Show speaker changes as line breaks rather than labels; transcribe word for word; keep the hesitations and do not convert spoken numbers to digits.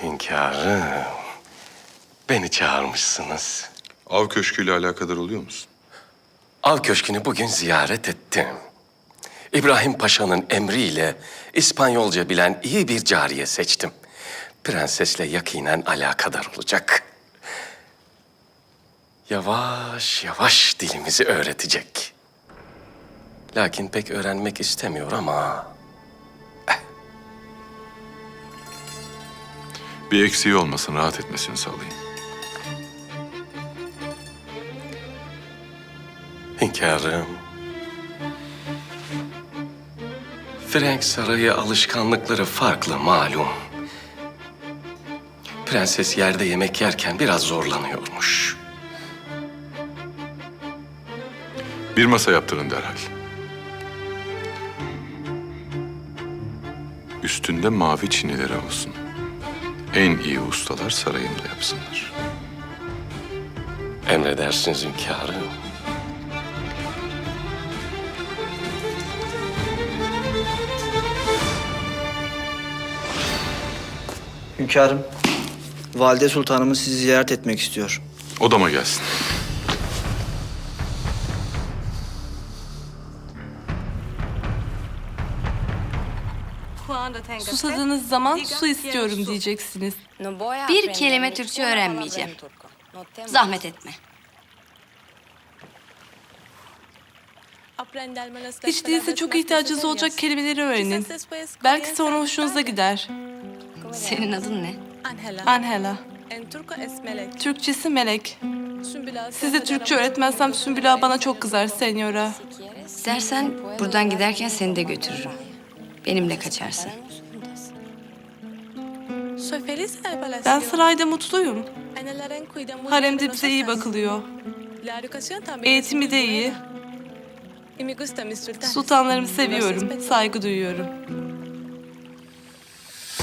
Hünkârım, beni çağırmışsınız.
Av köşküyle alakadar oluyor musun?
Av Köşkü'nü bugün ziyaret ettim. İbrahim Paşa'nın emriyle İspanyolca bilen iyi bir cariye seçtim. Prensesle yakinen alakadar olacak. Yavaş yavaş dilimizi öğretecek. Lakin pek öğrenmek istemiyor ama...
Bir eksiği olmasın, rahat etmesini sağlayın.
Hünkârım, Frank Sarayı alışkanlıkları farklı malum. Prenses yerde yemek yerken biraz zorlanıyormuş.
Bir masa yaptırın derhal. Üstünde mavi çinileri olsun. En iyi ustalar sarayımda yapsınlar.
Emredersiniz hünkârım.
Hünkârım, Valide Sultanımız sizi ziyaret etmek istiyor.
Odama gelsin.
Susadığınız zaman su istiyorum diyeceksiniz.
Bir kelime Türkçe öğrenmeyeceğim. Zahmet etme.
Hiç değilse çok ihtiyacınız olacak kelimeleri öğrenin. Belki sonra hoşunuza gider.
Senin adın ne?
Angela. Türkçesi Melek. Size Türkçe öğretmezsem Sümbül Ağa bana çok kızar senyora.
İstersen buradan giderken seni de götürürüm. Benimle kaçarsın.
Ben sarayda mutluyum. Haremde bize iyi bakılıyor. Eğitimi de iyi. Sultanlarımı seviyorum, saygı duyuyorum.